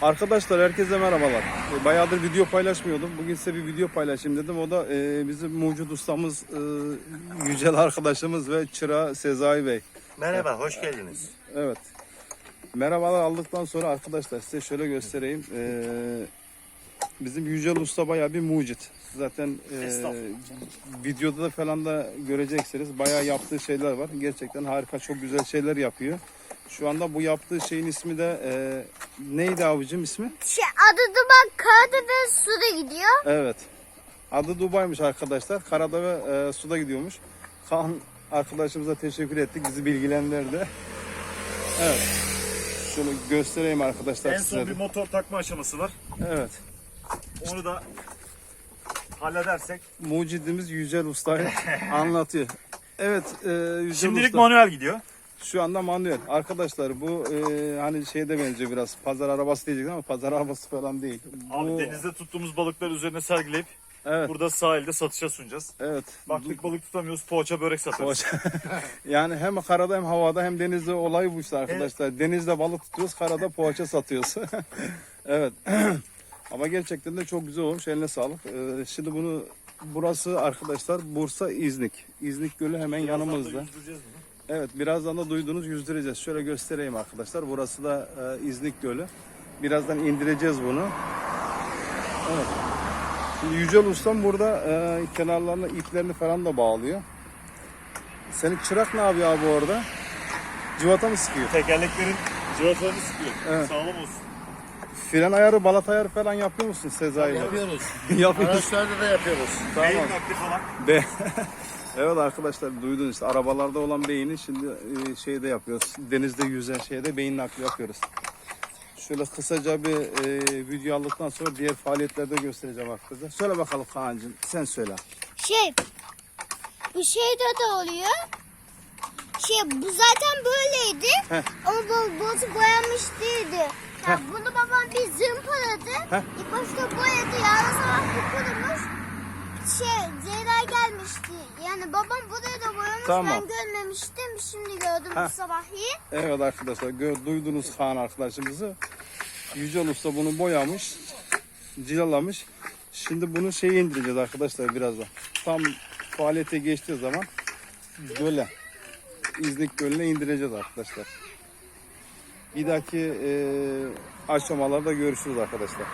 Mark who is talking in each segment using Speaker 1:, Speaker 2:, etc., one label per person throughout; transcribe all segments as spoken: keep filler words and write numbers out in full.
Speaker 1: Arkadaşlar herkese merhabalar. Bayağıdır video paylaşmıyordum. Bugün size bir video paylaşayım dedim. O da e, bizim mucit ustamız, e, Yücel arkadaşımız ve çırağı Sezai Bey.
Speaker 2: Merhaba, hoş geldiniz.
Speaker 1: Evet. Merhabalar aldıktan sonra arkadaşlar size şöyle göstereyim. E, bizim Yücel usta bayağı bir mucit. Zaten e, videoda da falan da göreceksiniz. Bayağı yaptığı şeyler var. Gerçekten harika, çok güzel şeyler yapıyor. Şu anda bu yaptığı şeyin ismi de e, neydi abicim ismi?
Speaker 3: Şey, adı Dubai, karada ve suda gidiyor.
Speaker 1: Evet. Adı Dubai'miş arkadaşlar. Karada ve e, suda gidiyormuş. Kaan arkadaşımıza teşekkür ettik. Bizi bilgilendirdi. Evet. Şöyle göstereyim arkadaşlar
Speaker 4: En
Speaker 1: size
Speaker 4: son
Speaker 1: de.
Speaker 4: bir motor takma aşaması var.
Speaker 1: Evet.
Speaker 4: Onu da halledersek.
Speaker 1: Mucidimiz Yücel Usta'yı anlatıyor. Evet. E, Yücel
Speaker 4: Şimdilik
Speaker 1: Usta.
Speaker 4: manuel gidiyor.
Speaker 1: Şu anda manuel. Arkadaşlar bu e, hani şeyde benziyor biraz. Pazar arabası diyecektim ama pazar arabası falan değil.
Speaker 4: Abi
Speaker 1: Bu,
Speaker 4: denizde tuttuğumuz balıkları üzerine sergileyip
Speaker 1: evet.
Speaker 4: burada sahilde satışa sunacağız.
Speaker 1: Evet.
Speaker 4: Baktık balık tutamıyoruz, poğaça börek satarız.
Speaker 1: Yani hem karada hem havada hem denizde olay bu işte arkadaşlar. Denizde balık tutuyoruz, karada poğaça satıyoruz. Evet. Ama gerçekten de çok güzel olmuş. Eline sağlık. Ee, şimdi bunu burası arkadaşlar Bursa İznik. İznik Gölü hemen yanımızda.
Speaker 4: Yüzdüreceğiz bunu.
Speaker 1: Evet, birazdan da duyduğunuz yüzdüreceğiz. Şöyle göstereyim arkadaşlar. Burası da e, İznik Gölü. Birazdan indireceğiz bunu. Evet. Şimdi Yücel Ustam burada e, kenarlarına iplerini falan da bağlıyor. Senin çırak ne yapıyor abi orada? Civata mı sıkıyor?
Speaker 4: Tekerleklerin cıvatalarını sıkıyor.
Speaker 1: Evet.
Speaker 4: Sağlam olsun.
Speaker 1: Fren ayarı, balat ayarı falan yapıyor musun Sezai?
Speaker 2: Yapıyoruz.
Speaker 1: Yapıyoruz.
Speaker 2: Araçlarda da yapıyoruz.
Speaker 4: Beyin
Speaker 1: Tamam.
Speaker 4: nakli falan.
Speaker 1: Be evet arkadaşlar duydunuz işte arabalarda olan beyni şimdi e, şeyde yapıyoruz. Denizde yüzen şeyde beyin nakli yapıyoruz. Şöyle kısaca bir e, video aldıktan sonra diğer faaliyetlerde göstereceğim arkadaşlar. Söyle bakalım Kaan'cığım, sen söyle.
Speaker 3: Şey, bu şeyde de oluyor. Şey, bu zaten böyleydi.
Speaker 1: Heh.
Speaker 3: Ama bu bozu boyamış değildi. Ya bunu babam bir zımpaladı.
Speaker 1: Heh.
Speaker 3: İlk başta boyadı. Yarın sabah bu kurumuş. Şey, Zehra gelmişti. Yani babam burayı da boyamış.
Speaker 1: Tamam.
Speaker 3: Ben görmemiştim. Şimdi gördüm
Speaker 1: Heh.
Speaker 3: bu sabah iyi.
Speaker 1: Evet arkadaşlar gö- duydunuz Kaan arkadaşımızı. Yücel Usta bunu boyamış, cilalamış. Şimdi bunu şeye indireceğiz arkadaşlar birazdan. Tam faaliyete geçtiği zaman göle, İznik Gölü'ne indireceğiz arkadaşlar. Bir dahaki e, aşamalarda görüşürüz arkadaşlar.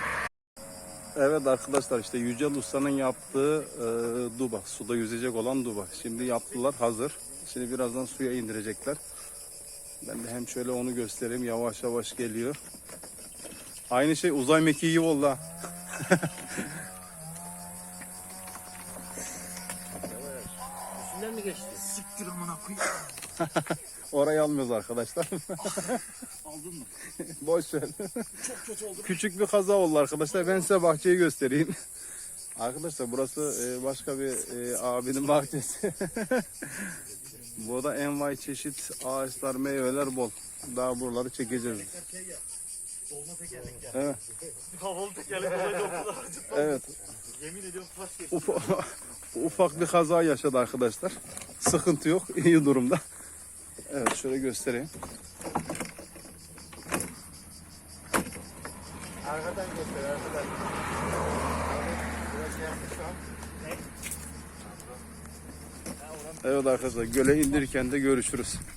Speaker 1: Evet arkadaşlar işte Yücel Usta'nın yaptığı e, duba, suda yüzecek olan duba. Şimdi yaptılar, hazır. Şimdi birazdan suya indirecekler. Ben de hem şöyle onu göstereyim, yavaş yavaş geliyor. Aynı şey uzay mekiği gibi oldu ha.
Speaker 2: Üstünden mi geçti?
Speaker 4: Siktir amına koyayım.
Speaker 1: Orayı almıyoruz arkadaşlar.
Speaker 4: Aldın mı?
Speaker 1: Boş ver.
Speaker 4: Çok kötü oldu.
Speaker 1: Küçük bir kaza oldu arkadaşlar. Ben size bahçeyi göstereyim. Arkadaşlar burası e, başka bir e, abinin bahçesi. Burada envai çeşit ağaçlar, meyveler bol. Daha buraları çekeceğiz.
Speaker 4: Dolma tekerlek yani.
Speaker 1: Evet.
Speaker 4: Havalı tekerlek olaydı o kadar acıtmadı.
Speaker 1: Evet.
Speaker 4: Yemin ediyorum taş geçti.
Speaker 1: Ufa- ufak bir kaza yaşadı arkadaşlar. Sıkıntı yok. İyi durumda. Evet şöyle göstereyim.
Speaker 2: Arkadan göster, arkadan. Biraz yanlış şu an.
Speaker 1: Evet arkadaşlar göle indirirken de görüşürüz.